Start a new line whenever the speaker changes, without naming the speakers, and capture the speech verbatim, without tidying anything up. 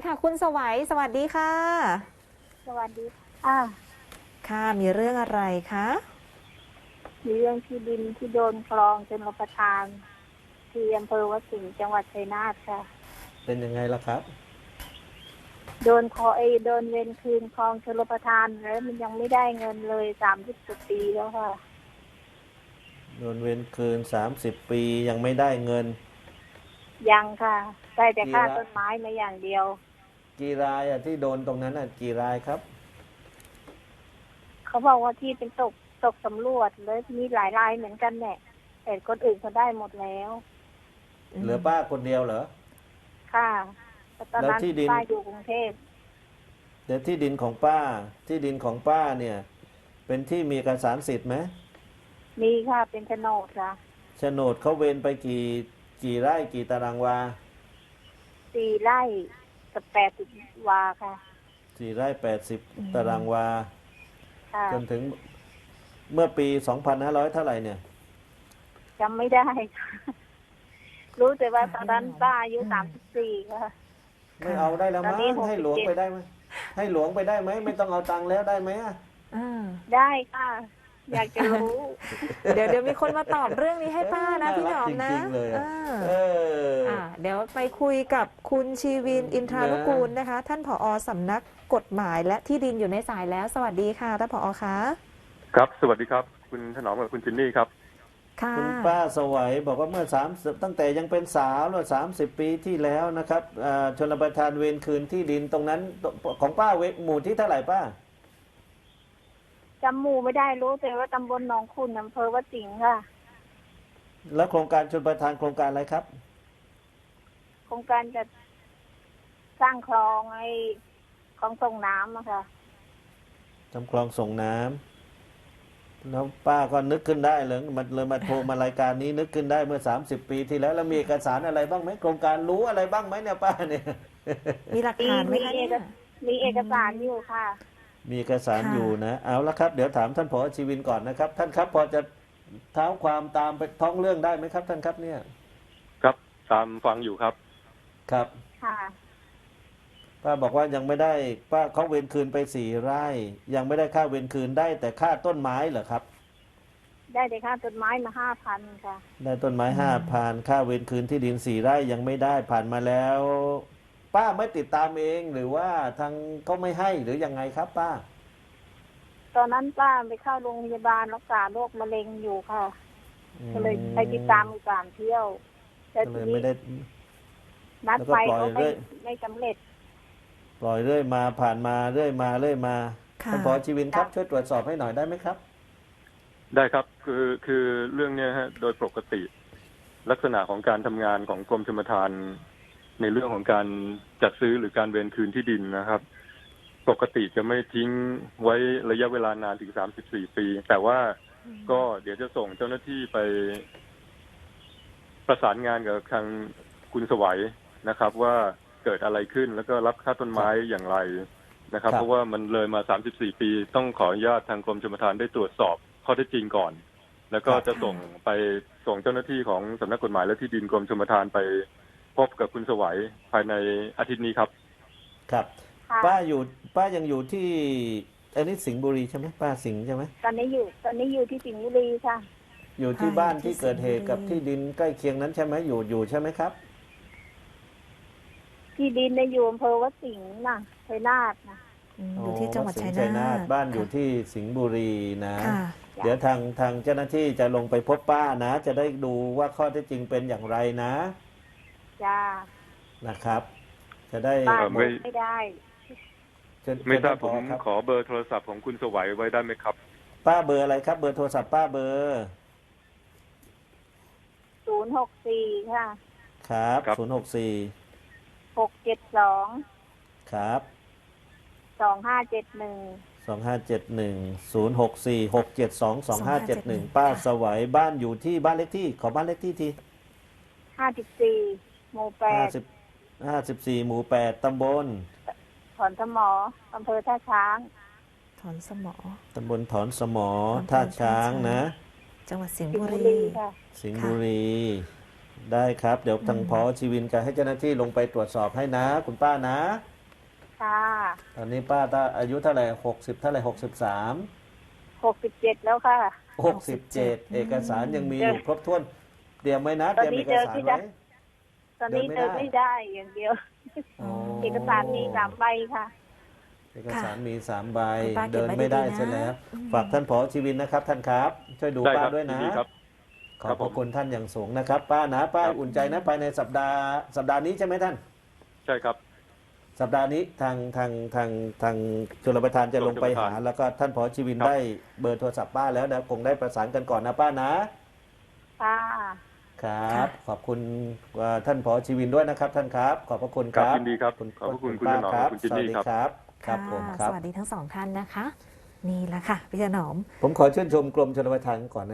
ค่ะคุณสวัยสวัสดีค่ะ
สวัสดีอ่า
ค่ะมีเรื่องอะไรคะ
มีเรื่องที่ดินที่โดนคลองชลประทานที่อำเภอวัดสิงห์จังหวัดชัยนาทค่ะ
เป็นยังไงล่ะครับ
โดนคอเอโดนเวรคืนคลองชลประทานแล้วมันยังไม่ได้เงินเลยสามสิบกว่าปีแล้วค่ะ
โดนเวรคืนสามสิบปียังไม่ได้เงิน
ยังค่ะได้แต่ค่า
กี่ราย
ต้นไม้มาอย่างเดียว
กี่รายอะที่โดนตรงนั้นอะกี่รายครับ
เขาบอกว่าที่เป็นตกตกสำรวจเลยมีหลายรายเหมือนกันแหละแต่คนอื่นเขาได้หมดแล้ว
เหลือป้าคนเดียวเหรอ
ค่ะแต่ตอนนั้น
แล้วที่ดิน
ป้าอยู่กรุงเทพ
เดี๋ยวที่ดินของป้าที่ดินของป้าเนี่ยเป็นที่มีเอกสารสิทธิ์ไหม
มีค่ะเป็นโฉนดค่ะ
โฉนดเขาเวรไปกี่กี่ไร่กี่ตารางวา
สี่ไร่กับแปดสิบวาค่ะ
สี่ไร่แปดสิบตารางวา
ค่ะ
จนถึงเมื่อปีสองพันห้าร้อยเท่าไหร่เนี่ย
จำไม่ได้ รู้แต่ว่าตอนนั้นป้าอายุสามสิบสี่ค่ะ
ไม่เอาได้แล้วมั้ง
ตอนนี้หกสิบเจ็ด
ให้หลวงไปได้ไหมให้หลวงไปได้ไหมไม่ต้องเอาตังค์แล้วได้ไหมอะ
อ่า
ได้ค่ะ อยากจะรู้
เดี๋ยวเดี๋ยวมีคนมาตอบเรื่องนี้ให้ป้านะพี่หนอมนะ
จริงๆเลยอะ
อ่า
เออ
อ่าเดี๋ยวไปคุยกับคุณชีวินอินทรานุกูลนะคะ ท่านผอสำนักกฎหมายและที่ดินอยู่ในสายแล้ว สวัสดีค่ะท่านผอคะ
ครับสวัสดีครับคุณถนอมกับคุณจินนี่ครับ
ค่ะ
คุณป้าสวัยบอกว่าเมื่อสามตั้งแต่ยังเป็นสาวแล้วสามสิบปีที่แล้วนะครับอ่าชนประทานเวรคืนที่ดินตรงนั้นของป้าเวหมู่ที่เท่าไหร่ป้า
จำหมู่ไม่ได้รู้แต่ว่าตำบลหนองขุ่นอำเภอวัดสิงห์ค่ะ
แล้วโครงการชนประทานโครงการอะไรครับ
โครงการจะสร้างคลองไอ้คลองส่งน้ำอะค่ะ
ทำคลองส่งน้ำแล้วป้าก็นึกขึ้นได้เลยมันเลยมาโทรมารายการนี้นึกขึ้นได้เมื่อสามสิบปีที่แล้วแล้วมีเอกสารอะไรบ้างไหมโครงการรู้อะไรบ้างไหมเนี่ยป้าเนี่ย
มีหลักฐานไหมคะ
มี
เนี่ย
มีเอกสารอยู่ค่ะ
มีเอกสาร
ค่ะ
อยู่นะเอาละครับเดี๋ยวถามท่านผอชีวินก่อนนะครับ ท่านครับพอจะเท้าความตามไปท้องเรื่องได้ไหมครับท่านครับเนี่ย
ครับตามฟังอยู่ครับ
ครับ
ค่ะ
ป้าบอกว่ายังไม่ได้ป้าเขาเวรคืนไปสี่ไร่ ยังไม่ได้ค่าเวรคืนได้แต่ค่าต้นไม้เหรอครับ
ได้แต่ค่าต้นไม้มาห้าพันค่ะ
ได้ต้นไม้ห้าพันค่าเวรคืนที่ดินสี่ไร่ยังไม่ได้ผ่านมาแล้ว ป้าไม่ติดตามเองหรือว่าทางเขาไม่ให้หรือยังไงครับป้า
ตอนนั้นป้าไปเข้าโรงพยาบาลรักษาโรคมะเร็งอยู่ค่ะก็เลยไปติดตามอยู่สามเที่ยวแต่
ก็เล
ที
ย
นี้
ไม่ได้
นัด
แล้วก็
ไป
ปล่อย
เขา
เรื่
ไม่
อย
ไม่สำเร็จ
ปล่อยเรื่อยมาผ่านมาเรื่อยมาเรื่อยมา
ค่ะ
ท่านผอชีวินครับช่วยตรวจสอบให้หน่อยได้ไหมครับ
ได้ครับคือคือเรื่องเนี้ยฮะโดยปกติ ลักษณะของการทำงานของกรมชลประทานในเรื่องของการจัดซื้อหรือการเวรคืนที่ดินนะครับ ปกติจะไม่ทิ้งไว้ระยะเวลานานถึงสามสิบสี่ปี แต่ว่าก็เดี๋ยวจะส่งเจ้าหน้าที่ไป ประสานงานกับทางคุณสวัยนะครับ ว่าเกิดอะไรขึ้นแล้วก็รับค่าต้นไม้อย่างไรนะครับ
ครับ
เพราะว่ามันเลยมาสามสิบสี่ปี ต้องขออนุญาตทางกรมชลประทานได้ตรวจสอบข้อเท็จจริงก่อน แล้วก็จะส่งไปส่งเจ้าหน้าที่ของสำนักกฎหมายและที่ดินกรมชลประทานไปพบกับคุณสวัยภายในอาทิตย์นี้ครับ
ครับ
ค่ะ
ป้าอยู่ป้ายังอยู่ที่อันนี้สิงห์บุรีใช่ไหมป้าสิงห์ใช่ไหม
ตอนนี้อยู่ ตอนนี้อยู่ที่สิงห์บุรีค่ะ
อยู่ที่
ค่ะ
บ้าน
อยู่ที่
ที่เกิดเหตุ
สิงห์บุรี
กับที่ดินใกล้เคียงนั้นใช่ไหมอยู่อยู่ใช่ไหมครับ
ที่ดินในยอยู่อำเภอวัดสิงห์นะชัยนาทนะ
อืมอยู่ที่จังหวัด
อ๋อ
ชัย
สิงห์
นาท
บ้านอยู่
ค่ะ
ที่สิงห์บุรีนะ
ค่ะ
เดี๋ยวทางทางเจ้าหน้าที่จะลงไปพบป้านะ จะได้ดูว่าข้อเท็จจริงเป็นอย่างไรนะ
จ้า
นะครับ จะได้
ป้า
เอ่อไม่
ไม่ได้
เชิญ
ไม่ทราบ
เชิญ
ผม
ท่านผอครับ
ขอเบอร์โทรศัพท์ของคุณสวัยไว้ได้ไหมครับ
ป้าเบอร์อะไรครับ เบอร์โทรศัพท์ป้าเบอร์
ศูนย์หกสี่ค่ะ
ครับ
ครับ
ศูนย์หกสี่
หกเจ็ดสอง
ครับ
สองห้าเจ็ดหนึ่ง
สองห้าเจ็ดหนึ่งศูนย์หกสี่หกเจ็ดสองสองห้าเจ็ดหนึ่งป้าสวัยบ้านอยู่ที่บ้านเลขที่ขอบ้านเลขที่ที
ห้าสิบสี่หมู่แป
ห้า
ด
สิบห้าสิบสี่หมู่แปดตำบล
ถอนสมออำเภอท่าช้าง
ถอนสมอ
ตำบลถอนสมอ
อำเภอ
ท่าช้าง
ท่าช้าง
นะ
จังหวัดสิงห์
สิง
บุ
ห์บุ
รี
รีค่ะ
สิงห์บุรี ได้ครับ เดี๋ยวทาง
อืม
พอชีวินจะให้เจ้าหน้าที่ลงไปตรวจสอบให้นะ คุณป้านะ
ค่ะ
ตอนนี้ป้าถ้าอายุเท่าไหร่หกสิบเท่าไหร่หกสิบสาม
หกสิบเจ็ดแล้วค่ะ
หกสิบเจ็ดเอกสารยังมีอยู่ครบถ้วนเตรียมไว้นะเตรียมเอกสารไว้
ตอนนี้
เดิ
เดิ
น
น
ไม่
ไม่
ได้
ได้อย่างเดียว
อ๋อ
เอกสารมีสามใบค่ะ
เอกสารมีสามใบ
คุณป้าเก็บ
เดิน
ไว้
ไม่ได้
ดีๆนะ
เสียแล้ว
อืม
ฝากท่านผอชีวินนะครับ ท่านครับ ช่วยดู
ได้
ป้า
ครับ
ด้วย
ยิ
นะ
นดีครับ
ขอบพระคุณท่านอย่างสูงนะครับ ป้านะป้า
ครับ
อุ่นใจนะภายในสัปดาห์สัปดาห์นี้ใช่ไหมท่าน
ใช่ครับ
สัปดาห์นี้ทางทางทางทางชลประทานจะลงไปหา แล้วก็ท่านผอชีวิน
ครับ
ได้เบอร์โทรศัพท์ป้าแล้วนะคงได้ประสานกันก่อนนะป้านะ
ค่ะ
ครับ ขอบคุณเอ่อท่านผอชีวินด้วยนะครับ ท่านครับ ขอบพระคุณค
ครั
รั
บบ ยินดีครับขอบพระคุณคุณถนอม
ป้า
และคุณจินนี่
สวัสดี
ครับ
ครับครับ
ค่ะ
ผมครับ
สวัสดีทั้งสองท่านนะคะ นี่แหละค่ะพี่ถนอม
ผมขอชื่นชมกรมชลประทานก่อนนะ